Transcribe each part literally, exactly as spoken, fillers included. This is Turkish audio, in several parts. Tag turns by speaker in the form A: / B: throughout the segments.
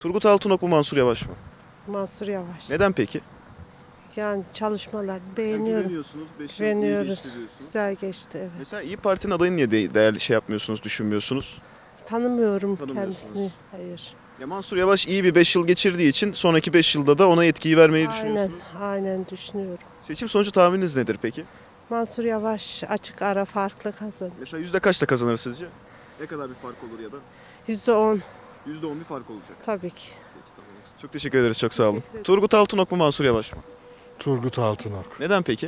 A: Turgut Altınok mu Mansur Yavaş mı?
B: Mansur Yavaş.
A: Neden peki?
B: Yani çalışmalar beğeniyorum.
A: Güveniyorsunuz, beş yıl iyi
B: Beğeniyoruz.
A: geçti diyorsunuz.
B: Güzel geçti, evet.
A: Mesela İyi Parti'nin adayını niye de- değerli şey yapmıyorsunuz, düşünmüyorsunuz?
B: Tanımıyorum
A: Tanımıyorsunuz.
B: kendisini. Hayır.
A: Ya Mansur Yavaş iyi bir beş yıl geçirdiği için sonraki beş yılda da ona yetkiyi vermeyi
B: Aynen,
A: düşünüyorsunuz.
B: aynen düşünüyorum.
A: Seçim sonucu tahmininiz nedir peki?
B: Mansur Yavaş açık ara farklı kazanır.
A: Mesela yüzde kaçta kazanır sizce? Ne kadar bir fark olur ya da?
B: Yüzde on
A: Yüzde on bir fark olacak.
B: tabii ki.
A: Çok teşekkür ederiz, çok sağ olun.
B: Teşekkür ederim.
A: Turgut Altınok mu Mansur Yavaş mı?
C: Turgut Altınok.
A: Neden peki?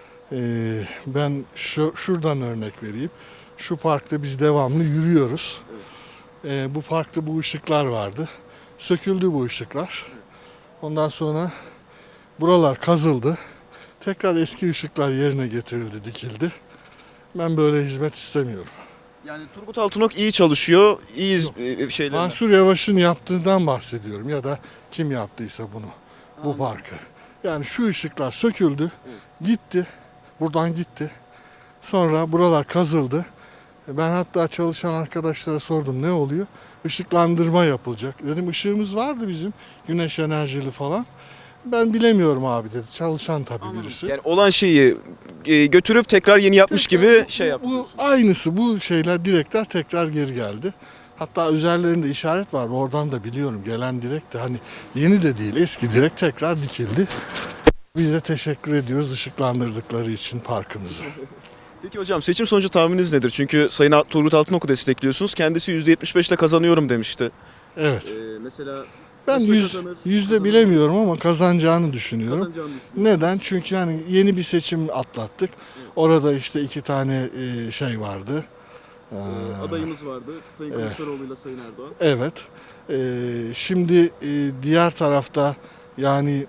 C: Ee, ben şu, şuradan örnek vereyim. Şu parkta biz devamlı yürüyoruz. Ee, bu parkta bu ışıklar vardı. Söküldü bu ışıklar. Ondan sonra buralar kazıldı. Tekrar eski ışıklar yerine getirildi, dikildi. Ben böyle hizmet istemiyorum.
A: Yani Turgut Altınok iyi çalışıyor, iyi iz- e, şeyler.
C: Mansur Yavaş'ın yaptığından bahsediyorum ya da kim yaptıysa bunu, bu parkı. Yani şu ışıklar söküldü, gitti, buradan gitti. Sonra buralar kazıldı. Ben hatta çalışan arkadaşlara sordum ne oluyor? Işıklandırma yapılacak. Dedim ışığımız vardı bizim, güneş enerjili falan. Ben bilemiyorum abi dedi. Çalışan tabii birisi.
A: Yani olan şeyi e, götürüp tekrar yeni yapmış gibi şey
C: Bu
A: yapıyorsunuz.
C: aynısı, bu şeyler, direkler tekrar geri geldi. Hatta üzerlerinde işaret var. Oradan da biliyorum gelen direk de hani yeni de değil, eski direk tekrar dikildi. Biz de teşekkür ediyoruz ışıklandırdıkları için parkımızı.
A: Peki hocam seçim sonucu tahmininiz nedir? Çünkü Sayın Turgut Altınok'u destekliyorsunuz. Kendisi yüzde yetmiş beş ile kazanıyorum demişti.
C: Evet.
A: Ee, mesela
C: Ben
A: Nasıl
C: yüz,
A: kazanır?
C: yüzde
A: Kazanır.
C: bilemiyorum ama kazanacağını düşünüyorum.
A: kazanacağını düşünüyorsunuz.
C: Neden? Çünkü yani yeni bir seçim atlattık. Orada işte iki tane e, şey vardı. Ee,
A: Ee, adayımız vardı. Sayın
C: Evet.
A: Kılıçdaroğlu ile Sayın Erdoğan.
C: Evet. Ee, şimdi e, diğer tarafta yani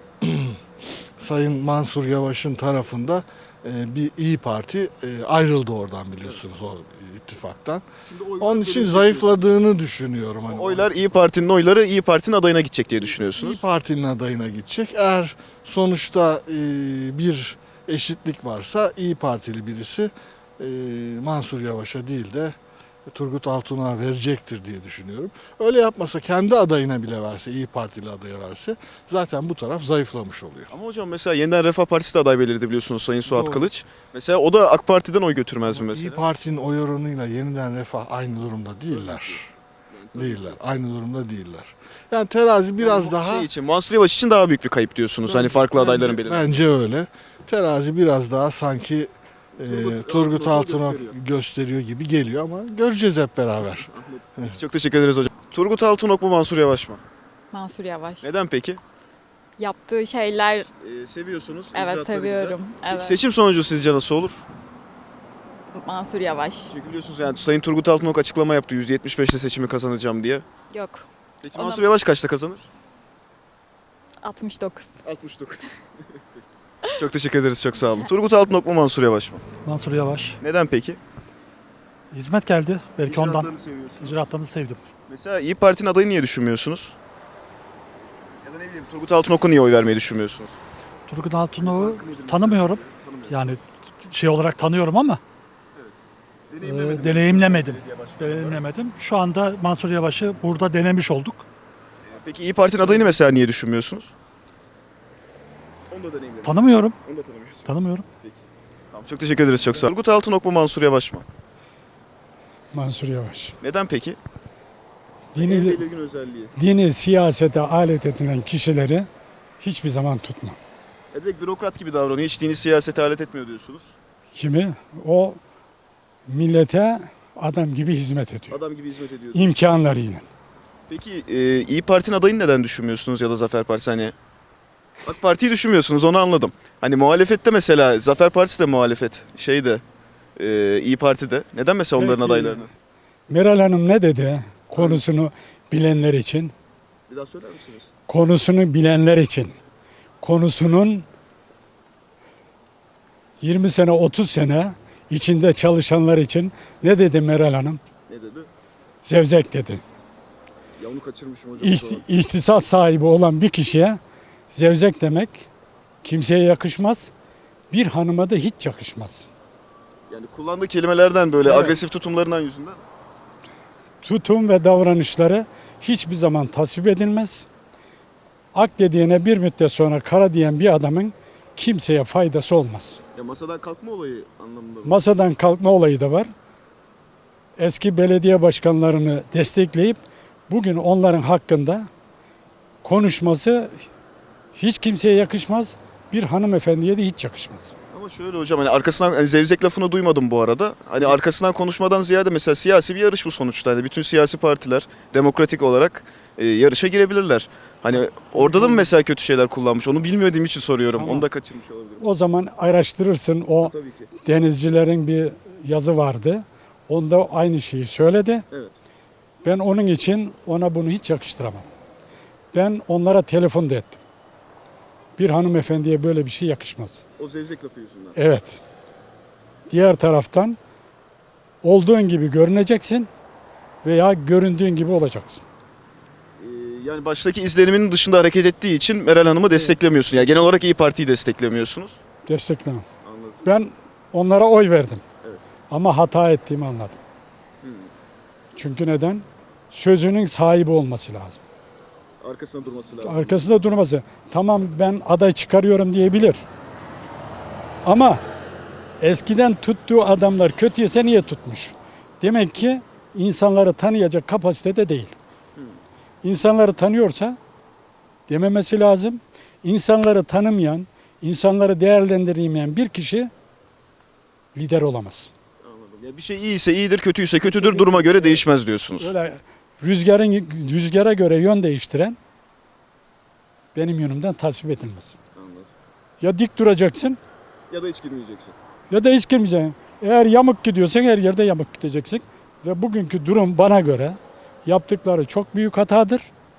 C: Sayın Mansur Yavaş'ın tarafında e, bir İyi Parti e, ayrıldı oradan biliyorsunuz o ittifaktan.
A: Şimdi oylar
C: Onun için
A: gelecek
C: zayıfladığını düşünüyorum. Hani
A: diyorsunuz. Oylar İyi Parti'nin oyları İyi Parti'nin adayına gidecek diye
C: İyi
A: düşünüyorsunuz.
C: Parti'nin adayına gidecek. Eğer sonuçta e, bir eşitlik varsa İyi Partili birisi e, Mansur Yavaş'a değil de Turgut Altınok'a verecektir diye düşünüyorum. Öyle yapmasa kendi adayına bile verse, İyi Partili adaya verse zaten bu taraf zayıflamış oluyor.
A: Ama hocam mesela yeniden Refah Partisi de aday belirledi biliyorsunuz Sayın Suat
C: Doğru.
A: Kılıç. Mesela o da AK Parti'den oy götürmez mi
C: İyi
A: mesela?
C: Parti'nin oy oranıyla yeniden Refah aynı durumda değiller. Değiller. Aynı durumda değiller. Yani terazi biraz
A: Yani
C: daha
A: şey için Mansur Yavaş için daha büyük bir kayıp diyorsunuz. Hani farklı
C: Bence-
A: adayların belirlenmesi.
C: Bence öyle. Terazi biraz daha sanki e,
A: Turgut
C: Turgut
A: Altınok'u
C: Altınok
A: gösteriyor.
C: gösteriyor gibi geliyor ama göreceğiz hep beraber.
A: Çok teşekkür ederiz hocam. Turgut Altınok mu Mansur Yavaş mı?
D: Mansur Yavaş.
A: Neden peki?
D: Yaptığı şeyler
A: Ee, seviyorsunuz.
D: evet seviyorum.
A: Peki
D: Evet.
A: seçim sonucu sizce nasıl olur?
D: Mansur Yavaş.
A: Çünkü biliyorsunuz yani Sayın Turgut Altınok açıklama yaptı yüzde yetmiş beş ile seçimi kazanacağım diye.
D: Yok.
A: Peki
D: Ona-
A: Mansur Yavaş kaçta kazanır?
D: altmış dokuz.
A: altmış dokuz. Çok teşekkür ederiz, çok sağ olun. Turgut Altınok mu Mansur Yavaş mı?
E: Mansur Yavaş.
A: Neden peki?
E: Hizmet geldi. Belki ondan.
A: İcraatlarını seviyorsunuz.
E: İcraatlarını sevdim.
A: Mesela İyi Parti'nin adayını niye düşünmüyorsunuz? Ya da ne bileyim Turgut Altınok'a niye oy vermeyi düşünmüyorsunuz?
E: Turgut Altınok'u tanımıyorum. Yani şey olarak tanıyorum ama e, deneyimlemedim. Deneyimlemedim. Şu anda Mansur Yavaş'ı burada denemiş olduk.
A: Peki İyi Parti'nin adayını mesela niye düşünmüyorsunuz? Onu da deneyimlemedim.
E: Tanımıyorum.
A: Onu da tanımıyorsunuz.
E: Tanımıyorum.
A: Tamam, çok teşekkür ederiz, çok sağ olun. Turgut Altınok mu Mansur Yavaş mı?
F: Mansur Yavaş.
A: Neden peki?
F: Dini,
A: belirgin özelliği.
F: dini siyasete alet edilen kişileri hiçbir zaman tutma.
A: E direkt bürokrat gibi davranıyor. Hiç dini siyasete alet etmiyor diyorsunuz.
F: Kimi? O millete adam gibi hizmet ediyor.
A: Adam gibi hizmet ediyor.
F: İmkanlarıyla.
A: Peki e, İyi Parti'nin adayını neden düşünmüyorsunuz ya da Zafer Partisi? Hani AK Parti'yi düşünmüyorsunuz, onu anladım. Hani muhalefette mesela Zafer Partisi de muhalefet. Şey de e, İyi Parti'de. Neden mesela onların
F: Peki.
A: adaylarını?
F: Meral Hanım ne dedi? Konusunu bilenler için.
A: Bir daha söyler misiniz?
F: Konusunu bilenler için. Konusunun yirmi sene otuz sene içinde çalışanlar için ne dedi Meral Hanım?
A: Ne dedi?
F: Zevzek dedi.
A: Ya onu kaçırmışım hocam.
F: İhti- İhtisas sahibi olan bir kişiye zevzek demek kimseye yakışmaz. Bir hanıma da hiç yakışmaz.
A: Yani kullandığı kelimelerden böyle
F: Evet.
A: agresif tutumlarından yüzünden.
F: Tutum ve davranışları hiçbir zaman tasvip edilmez. Ak dediğine bir müddet sonra kara diyen bir adamın kimseye faydası olmaz.
A: Ya masadan kalkma olayı anlamında mı?
F: Masadan kalkma olayı da var. Eski belediye başkanlarını destekleyip bugün onların hakkında konuşması hiç kimseye yakışmaz. Bir hanımefendiye de hiç yakışmaz.
A: Ama şöyle hocam hani arkasından hani zevzek lafını duymadım bu arada. Hani arkasından konuşmadan ziyade mesela siyasi bir yarış bu sonuçta. Hani bütün siyasi partiler demokratik olarak e, yarışa girebilirler. Hani orada da mı mesela kötü şeyler kullanmış? Onu bilmediğim için soruyorum.
F: Tamam.
A: Onu da kaçırmış olabilirim.
F: O zaman araştırırsın. O
A: Tabii ki.
F: denizcilerin bir yazı vardı. Onda aynı şeyi söyledi.
A: Evet.
F: Ben onun için ona bunu hiç yakıştıramam. Ben onlara telefon da ettim. Bir hanımefendiye böyle bir şey yakışmaz.
A: O zevzek lafı yüzünden.
F: Evet. Diğer taraftan olduğun gibi görüneceksin veya göründüğün gibi olacaksın.
A: Ee, yani baştaki izleniminin dışında hareket ettiği için Meral Hanım'ı desteklemiyorsun. Yani genel olarak İyi Parti'yi desteklemiyorsunuz.
F: Desteklemem.
A: Anladım.
F: Ben onlara oy verdim.
A: Evet.
F: Ama hata ettiğimi anladım.
A: Hmm.
F: Çünkü neden? Sözünün sahibi olması lazım.
A: Arkasında durması lazım.
F: Arkasında durması. Tamam ben aday çıkarıyorum diyebilir. Ama eskiden tuttuğu adamlar kötüyse niye tutmuş? Demek ki insanları tanıyacak kapasitede değil. İnsanları tanıyorsa dememesi lazım. İnsanları tanımayan, insanları değerlendiremeyen bir kişi lider olamaz.
A: Anladım. Ya bir şey iyiyse iyidir, kötüyse kötüdür. Duruma göre değişmez diyorsunuz.
F: Öyle rüzgarın rüzgara göre yön değiştiren benim yönümden tasvip edilmez.
A: Anladım.
F: Ya dik duracaksın
A: Ya da hiç girmeyeceksin.
F: ya da hiç girmeyeceksin. Eğer yamuk gidiyorsan her yerde yamuk gideceksin. Ve bugünkü durum bana göre yaptıkları çok büyük hatadır.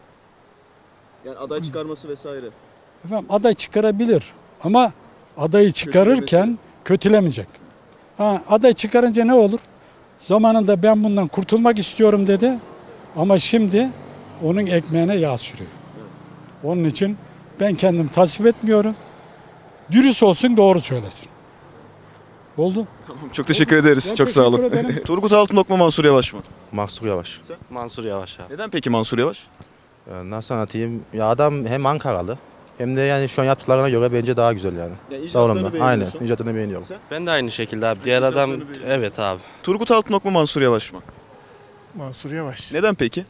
A: Yani aday çıkarması vesaire.
F: Efendim aday çıkarabilir ama adayı çıkarırken kötülemeyecek. Ha, aday çıkarınca ne olur? Zamanında ben bundan kurtulmak istiyorum dedi ama şimdi onun ekmeğine yağ sürüyor. Onun için ben kendim tasvip etmiyorum. Dürüst olsun, doğru söylesin. Oldu.
A: Tamam. Çok teşekkür ederiz.
F: Ben
A: Çok sağ olun.
F: teşekkür ederim.
A: Turgut Altınok mu Mansur Yavaş mı?
G: Mansur Yavaş.
H: Mansur Yavaş abi.
A: Neden peki Mansur Yavaş?
G: Ee, Nasıl anlatayım? Ya adam hem Ankaralı hem de yani şu an yaptıklarına göre bence daha güzel yani.
A: Yani
G: Daha olumlu. Aynen. İcatını beğeniyorum.
H: Ben de aynı şekilde abi. Diğer adam evet abi.
A: Turgut Altınok mu Mansur Yavaş mı?
I: Mansur Yavaş.
A: Neden peki?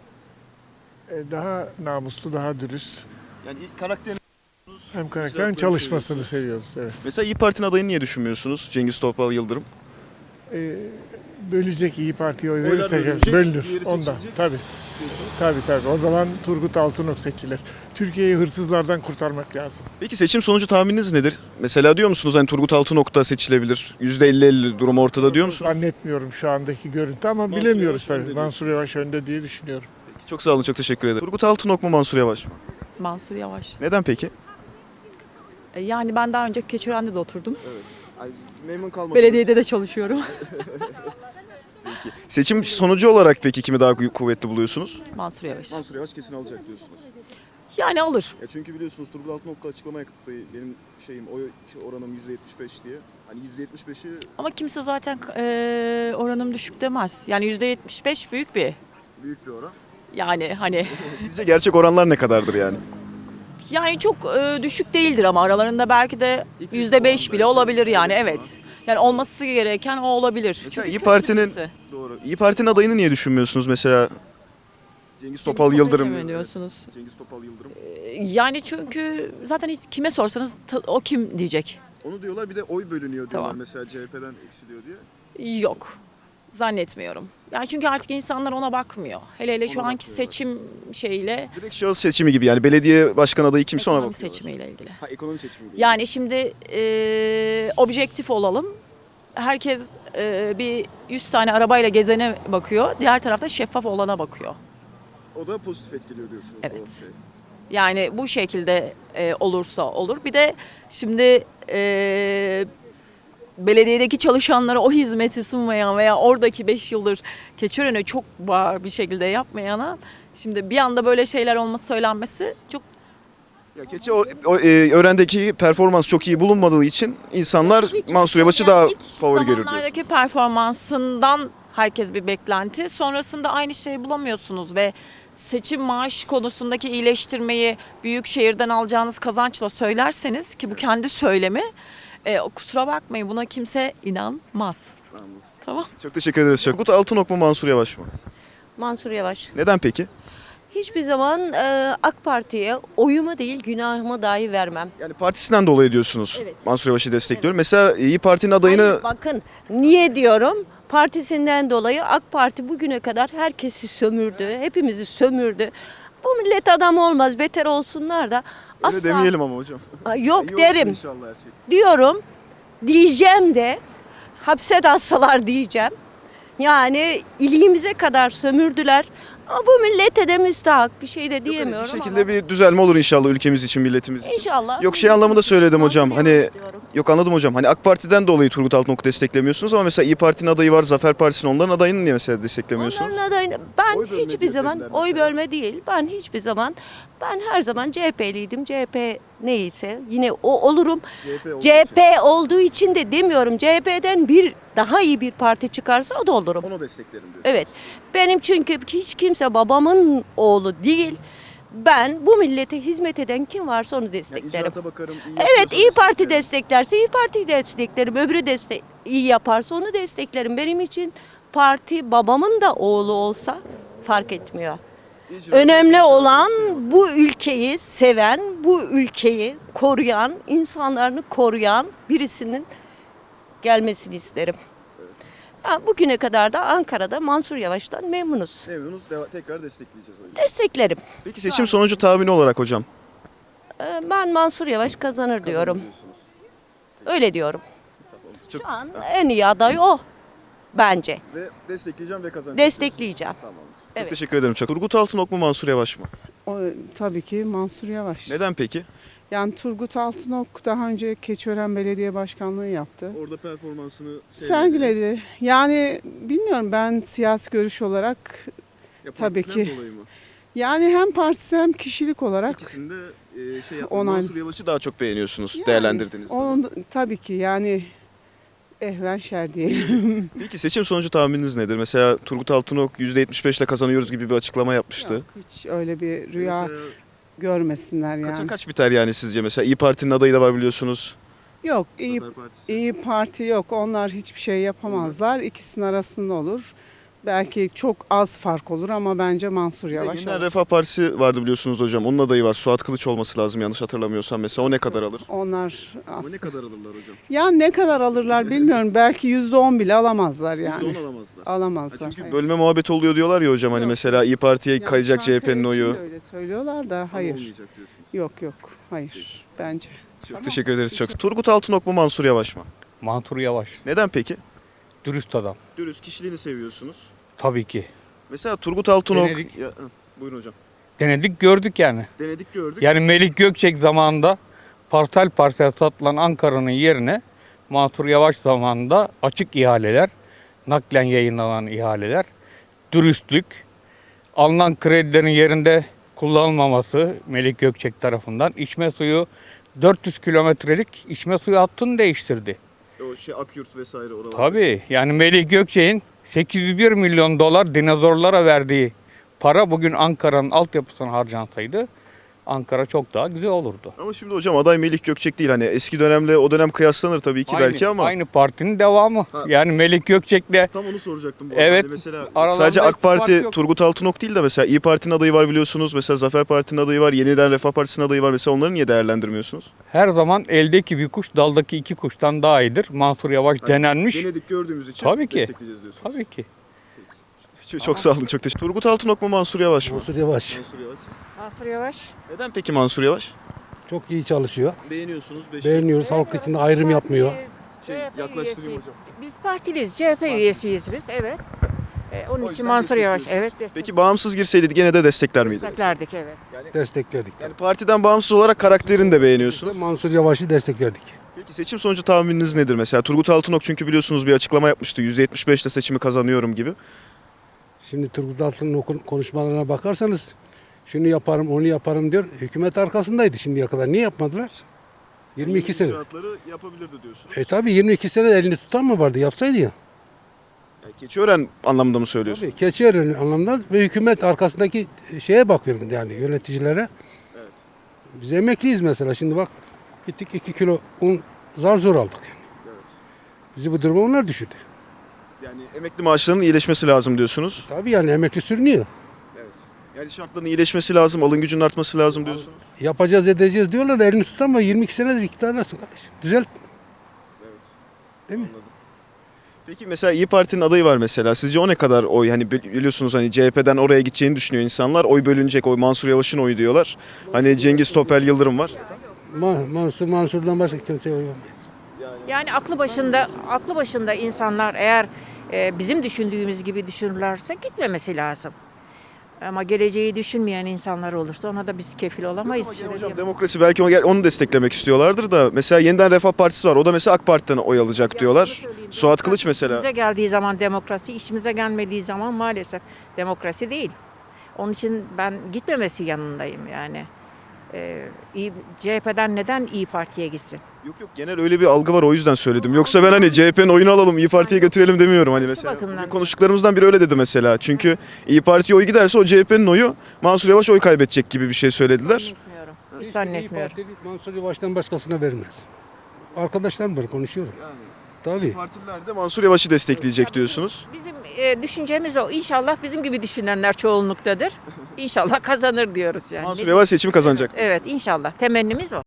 I: E, Daha namuslu, daha dürüst.
A: Yani ilk karakterini
I: Hem karakter hem çalışmasını seviyoruz. Evet.
A: mesela İyi Parti'nin adayını niye düşünmüyorsunuz? Cengiz Topal Yıldırım.
I: E, bölecek İyi Parti'ye oy
A: Oylar
I: verirsek
A: bölünecek,
I: bölünür.
A: diğeri
I: Ondan.
A: seçilecek.
I: Tabii. Tabii tabii. O zaman Turgut Altınok seçilir. Türkiye'yi hırsızlardan kurtarmak lazım.
A: Peki seçim sonucu tahmininiz nedir? Mesela diyor musunuz hani Turgut Altınok da seçilebilir? yüzde elli elli durum ortada diyor musunuz?
I: Zannetmiyorum şu andaki görüntü ama
A: Mansur
I: bilemiyoruz
A: Yavaş önde
I: tabii. Mansur Yavaş önde diye düşünüyorum.
A: Çok sağ olun, çok teşekkür ederim. Turgut Altınok mu Mansur Yavaş mı?
J: Mansur Yavaş.
A: Neden peki?
J: E, Yani ben daha önce Keçiören'de de oturdum.
A: Memnun kalmadınız.
J: Belediyede de çalışıyorum.
A: Peki. Seçim sonucu olarak peki kimi daha kuvvetli buluyorsunuz?
J: Mansur Yavaş.
A: Mansur Yavaş kesin alacak diyorsunuz.
J: Yani alır.
A: Ya çünkü biliyorsunuz Turgut Altınok da açıklama yaptı. Benim şeyim oy oranım yüzde yetmiş beş diye. Hani yüzde yetmiş beşi
J: Ama kimse zaten e, oranım düşük demez. Yani yüzde yetmiş beş büyük bir.
A: büyük bir oran.
J: Yani hani
A: Sizce gerçek oranlar ne kadardır yani?
J: yani çok e, düşük değildir ama aralarında belki de yüzde beş bile olabilir yani evet. Yani olması gereken o olabilir.
A: Mesela
J: Çünkü
A: İyi
J: köklü
A: Parti'nin
J: birisi.
A: doğru. İyi Parti'nin adayını niye düşünmüyorsunuz mesela? Cengiz Topal
J: Cengiz
A: Yıldırım.
J: Topal'ı mı diyorsunuz?
A: Evet, Cengiz Topal Yıldırım.
J: E, Yani çünkü zaten hiç kime sorsanız ta- o kim diyecek.
A: Onu diyorlar, bir de oy bölünüyor diyorlar
J: Tamam.
A: mesela C H P'den eksiliyor diye.
J: Yok. Zannetmiyorum. Yani çünkü artık insanlar ona bakmıyor. Hele hele şu
A: Ona
J: anki
A: bakmıyorlar.
J: seçim şeyiyle
A: Direkt şahıs seçimi gibi yani belediye başkan adayı kimse ona
J: ekonomi
A: bakıyor.
J: seçimiyle ilgili.
A: Ha, ekonomi seçimi gibi.
J: Yani şimdi e, objektif olalım. Herkes e, bir yüz tane arabayla gezene bakıyor. Diğer tarafta şeffaf olana bakıyor.
A: O da pozitif etkiliyor diyorsunuz.
J: Evet.
A: o şey.
J: Yani bu şekilde e, olursa olur. Bir de şimdi e, belediyedeki çalışanlara o hizmeti sunmayan veya oradaki beş yıldır Keçiören'e çok bağır bir şekilde yapmayana şimdi bir anda böyle şeyler olması söylenmesi çok
A: Ya keçi o, o, e, öğrendeki performans çok iyi bulunmadığı için insanlar Mansur Yavaş'ı daha
J: ilk
A: favori görür diyorsunuz.
J: zamanlardaki performansından herkes bir beklenti. Sonrasında aynı şeyi bulamıyorsunuz ve seçim maaş konusundaki iyileştirmeyi büyük şehirden alacağınız kazançla söylerseniz ki bu kendi söylemi, e, kusura bakmayın buna kimse inanmaz. Tamam.
A: Çok teşekkür ederiz. Çok. Turgut Altınok mu Mansur Yavaş mı?
B: Mansur Yavaş.
A: Neden peki?
B: Hiçbir zaman e, AK Parti'ye oyumu değil günahımı dahi vermem.
A: Yani partisinden dolayı diyorsunuz.
B: Evet.
A: Mansur Yavaş'ı destekliyorum. Mesela İyi Parti'nin adayını
B: Hayır, bakın niye diyorum? Partisinden dolayı AK Parti bugüne kadar herkesi sömürdü. Hepimizi sömürdü. Bu millet adam olmaz. Beter olsunlar da.
A: öyle
B: Asla
A: demeyelim ama hocam.
B: Aa,
A: İyi
B: yok
A: olsun
B: derim.
A: inşallah her şey.
B: Diyorum. Diyeceğim de hapse de atsalar diyeceğim. Yani iliğimize kadar sömürdüler. Ama bu millete de müstahak bir şey de
A: Yok, hani
B: diyemiyorum
A: bir şekilde
B: ama.
A: bir düzelme olur inşallah ülkemiz için, milletimiz için.
B: İnşallah.
A: Yok şey anlamında söyledim hocam.
B: Mansur
A: Hani
B: Yavaş diyorum.
A: yok anladım hocam. Hani AK Parti'den dolayı Turgut Altınok'u desteklemiyorsunuz ama mesela İyi Parti'nin adayı var, Zafer Partisi'nin, onların adayını niye mesela desteklemiyorsunuz?
B: Onların adayını ben
A: Oy bölme
B: hiçbir
A: diye
B: zaman
A: dediler
B: oy
A: mesela.
B: bölme değil. Ben hiçbir zaman ben her zaman C H P'liydim. C H P neyse yine o olurum.
A: C H P olduğu
B: C H P olduğu için de demiyorum. C H P'den bir daha iyi bir parti çıkarsa o da olurum.
A: Onu desteklerim diyor.
B: Evet. Benim çünkü hiç kimse babamın oğlu değil. Ben bu millete hizmet eden kim varsa onu desteklerim.
A: bakarım.
B: Evet, İyi Parti desteklerse İyi Parti'yi desteklerim. Öbürü destek iyi yaparsa onu desteklerim. Benim için parti babamın da oğlu olsa fark etmiyor. Önemli olan bu ülkeyi seven, bu ülkeyi koruyan, insanlarını koruyan birisinin gelmesini isterim. Ha, bugüne kadar da Ankara'da Mansur Yavaş'tan memnunuz.
A: Memnunuz. Tekrar destekleyeceğiz o yüzden.
B: Desteklerim.
A: Peki seçim sonucu tahmini olarak hocam?
B: Ee, Ben Mansur Yavaş kazanır diyorum. Öyle diyorum.
A: Çok-
B: Şu an en iyi aday o bence.
A: Ve destekleyeceğim ve kazanacağım.
B: Destekleyeceğim.
A: Tamamdır. Çok
B: Evet.
A: teşekkür ederim çok. Turgut Altınok mu Mansur Yavaş mı?
K: O, tabii ki Mansur Yavaş.
A: Neden peki?
K: Yani Turgut Altınok daha önce Keçiören Belediye Başkanlığı yaptı.
A: Orada performansını
K: Sergiledi. Yani bilmiyorum, ben siyasi görüş olarak
A: Ya
K: Tabii
A: partisinden
K: ki.
A: dolayı mı?
K: yani hem partisi hem kişilik olarak
A: İkisinde e, şey yaptı.
K: Onay-
A: Mansur Yavaş'ı daha çok beğeniyorsunuz,
K: Yani
A: değerlendirdiğiniz zaman.
K: onun, tabii ki yani ehven şer diyelim.
A: Peki seçim sonucu tahmininiz nedir? Mesela Turgut Altınok yüzde yetmiş beş ile kazanıyoruz gibi bir açıklama yapmıştı.
K: Yok, hiç öyle bir rüya
A: Mesela
K: görmesinler yani.
A: kaça kaç biter yani sizce? Mesela İyi Parti'nin adayı da var biliyorsunuz.
K: Yok, iyi
A: Zafer Partisi.
K: İyi Parti yok. Onlar hiçbir şey yapamazlar. İkisinin arasında olur. Belki çok az fark olur ama bence Mansur
A: Bir de
K: Yavaş
A: Yeniden
K: alır.
A: Refah Partisi vardı biliyorsunuz hocam. Onun adayı var. Suat Kılıç olması lazım yanlış hatırlamıyorsam. Mesela o ne kadar alır?
K: Onlar
A: Ama ne
K: aslında.
A: kadar alırlar hocam?
K: Ya ne kadar alırlar bilmiyorum. Belki yüzde on bile alamazlar yani.
A: yüzde on alamazlar. Ha,
K: Alamazlar.
A: çünkü
K: hayır.
A: bölme muhabbeti oluyor diyorlar ya hocam. Hani
K: Yok.
A: mesela İyi Parti'ye
K: Yani
A: kayacak C H P'nin
K: Çankaya için
A: oyu.
K: de öyle söylüyorlar da hayır.
A: Olmayacak diyorsunuz.
K: Yok yok. Hayır. Bence.
A: Çok teşekkür ederiz çok. Turgut Altınok mu Mansur Yavaş mı?
F: Mansur Yavaş.
A: Neden peki?
F: Dürüst adam.
A: Dürüst kişiliğini seviyorsunuz.
F: Tabii ki.
A: Mesela Turgut Altınok...
F: Denedik.
A: Ya, hı, buyurun hocam.
F: Denedik gördük yani.
A: Denedik gördük.
F: Yani Melik Gökçek zamanında parsel parsel satılan Ankara'nın yerine Mansur Yavaş zamanında açık ihaleler, naklen yayınlanan ihaleler, dürüstlük, alınan kredilerin yerinde kullanılmaması Melik Gökçek tarafından içme suyu dört yüz kilometrelik içme suyu hattını değiştirdi.
A: O şey Akyurt vesaire oralar.
F: Tabii yani Melik Gökçek'in sekiz yüz bir milyon dolar dinozorlara verdiği para bugün Ankara'nın altyapısına harcansaydı Ankara çok daha güzel olurdu.
A: Ama şimdi hocam aday Melik Gökçek değil. Hani eski dönemle o dönem kıyaslanır tabii ki
F: Aynı-
A: belki ama.
F: Aynı partinin devamı.
A: Ha.
F: Yani Melik Gökçek'le
A: Tam onu soracaktım bu
F: Evet,
A: arada. Hani mesela
F: aralarında
A: sadece AK
F: hiçbir fark
A: Parti
F: yok.
A: Turgut Altınok değil de mesela İyi Parti'nin adayı var biliyorsunuz. Mesela Zafer Parti'nin adayı var. Yeniden Refah Partisi'nin adayı var. Mesela onları niye değerlendirmiyorsunuz?
F: her zaman eldeki bir kuş daldaki iki kuştan daha iyidir. Mansur Yavaş
A: Hani
F: denenmiş.
A: Denedik gördüğümüz için
F: Tabii ki.
A: destekleyeceğiz diyorsunuz.
F: Tabii ki.
A: Çok, çok sağ olun. Çok teşekkür Turgut Altınok mu Mansur Yavaş mı?
L: Mansur Yavaş
A: Mansur Yavaş.
B: Mansur Yavaş.
A: Neden peki Mansur Yavaş?
L: çok iyi çalışıyor.
A: Beğeniyorsunuz.
L: Beğeniyoruz. Halk içinde ayrım yapmıyor.
A: Şey, yaklaştırayım hocam.
B: Biz partiliyiz. C H P üyesiyiz biz. Evet. Ee, onun
A: O
B: için
A: yüzden
B: Mansur Yavaş.
A: destekliyorsunuz.
B: Evet.
A: Peki bağımsız girseydi gene de destekler miydiniz?
B: desteklerdik evet.
L: Desteklerdik.
A: Yani partiden bağımsız olarak karakterini de beğeniyorsunuz.
L: Mansur Yavaş'ı desteklerdik.
A: Peki seçim sonucu tahmininiz nedir mesela? Turgut Altınok çünkü biliyorsunuz bir açıklama yapmıştı. yüzde yetmiş beş ile seçimi kazanıyorum gibi.
L: Şimdi Turgut Altınok'un konuşmalarına bakarsanız şunu yaparım, onu yaparım diyor. Hükümet arkasındaydı şimdiye kadar. Niye yapmadılar? yirmi iki sene.
A: İcraatları yapabilirdi diyorsunuz.
L: E tabi yirmi iki sene elini tutan mı vardı? Yapsaydı ya.
A: Yani Keçiören anlamında mı söylüyorsun?
L: Tabii Keçiören anlamda ve hükümet arkasındaki şeye bakıyorum yani yöneticilere. Biz emekliyiz mesela şimdi bak gittik iki kilo un zar zor aldık. Bizi bu duruma onlar düşürdü.
A: Yani emekli maaşlarının iyileşmesi lazım diyorsunuz.
L: Tabii yani emekli sürünüyor.
A: Yani şartların iyileşmesi lazım, alım gücünün artması lazım diyorsunuz.
L: Yapacağız edeceğiz diyorlar da elini tutan ama yirmi iki senedir iktidardasın kardeşim. Düzelt. Değil mi?
A: Peki mesela İyi Parti'nin adayı var mesela. Sizce o ne kadar oy? Hani biliyorsunuz hani C H P'den oraya gideceğini düşünüyor insanlar. Oy bölünecek, oy Mansur Yavaş'ın oyu diyorlar. Hani Cengiz Topel Yıldırım var.
L: Ma- Mansur Mansur'dan başka kimseye oy vermez.
M: Yani aklı başında aklı başında insanlar eğer e, bizim düşündüğümüz gibi düşünürlerse gitmemesi lazım. Ama geleceği düşünmeyen insanlar olursa ona da biz kefil olamayız.
A: Ama
M: Bir şey
A: hocam
M: diyemem.
A: demokrasi belki o- onu desteklemek istiyorlardır da mesela Yeniden Refah Partisi var. O da mesela AK Parti'den oy alacak diyorlar. Suat Kılıç mesela.
M: İşimize geldiği zaman demokrasi, işimize gelmediği zaman maalesef demokrasi değil. Onun için ben gitmemesi yanındayım yani. Ee, İyi- C H P'den neden İyi Parti'ye gitsin?
A: Yok yok genel öyle bir algı var o yüzden söyledim. Yoksa ben hani C H P'nin oyunu alalım İyi Parti'ye götürelim demiyorum hani mesela.
M: bakımdan.
A: Bugün konuştuklarımızdan biri öyle dedi mesela. Çünkü İyi Parti'ye oy giderse o C H P'nin oyu Mansur Yavaş oy kaybedecek gibi bir şey söylediler.
M: Zannetmiyorum. Hiç
L: İyi
M: zannetmiyorum.
L: Partili Mansur Yavaş'tan başkasına vermez. Arkadaşlarım var konuşuyorum. Tabii.
A: Partililer de Mansur Yavaş'ı destekleyecek diyorsunuz.
M: Bizim e, düşüncemiz o. İnşallah bizim gibi düşünenler çoğunluktadır. İnşallah kazanır diyoruz yani.
A: Mansur Yavaş seçimi kazanacak.
M: Evet inşallah. Temennimiz o.